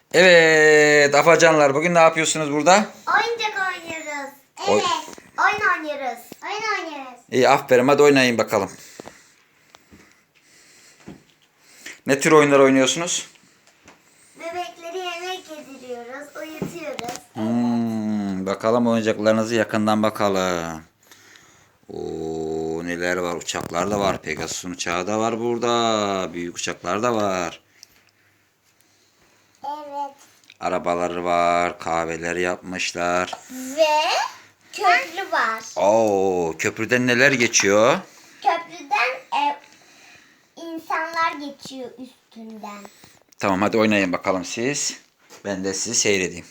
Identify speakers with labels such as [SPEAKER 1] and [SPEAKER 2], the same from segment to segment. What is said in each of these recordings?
[SPEAKER 1] Evet afacanlar, bugün ne yapıyorsunuz burada?
[SPEAKER 2] Oyuncak oynuyoruz.
[SPEAKER 1] Oy-
[SPEAKER 2] Evet. Oyun oynuyoruz. Oyun oynuyoruz.
[SPEAKER 1] İyi, aferin, hadi oynayın bakalım. Ne tür oyunlar oynuyorsunuz?
[SPEAKER 2] Bebekleri yemek yediriyoruz. Uyutuyoruz.
[SPEAKER 1] Bakalım oyuncaklarınızı yakından bakalım. Oo, neler var, uçaklar da var. Pegasus'un uçağı da var burada. Büyük uçaklar da var.
[SPEAKER 2] Evet.
[SPEAKER 1] Arabaları var, kahveler yapmışlar.
[SPEAKER 2] Ve köprü var.
[SPEAKER 1] Oo, köprüden neler geçiyor?
[SPEAKER 2] Köprüden insanlar geçiyor üstünden.
[SPEAKER 1] Tamam, hadi oynayın bakalım siz. Ben de sizi seyredeyim.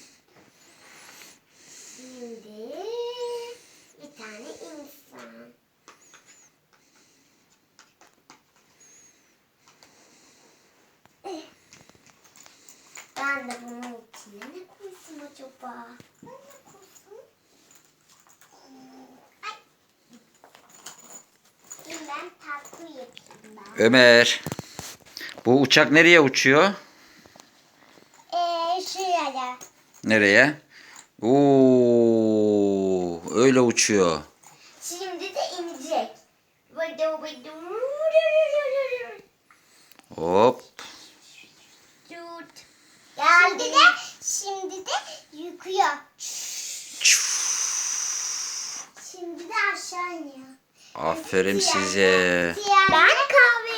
[SPEAKER 2] Şimdi bir tane insan. Ben de bunun içine ne koysam acaba? Ben ne koysam? Ay. Şimdi ben tatlı yapayım ben.
[SPEAKER 1] Ömer, bu uçak nereye uçuyor?
[SPEAKER 2] Şuraya.
[SPEAKER 1] Nereye? Oo, öyle uçuyor.
[SPEAKER 2] Şimdi de inecek. Vıdı vıdı.
[SPEAKER 1] Hop.
[SPEAKER 2] Tut. Geldi de şimdi de yıkıyor. Şimdi de aşağı iniyor.
[SPEAKER 1] Aferin size.
[SPEAKER 2] Ben kahve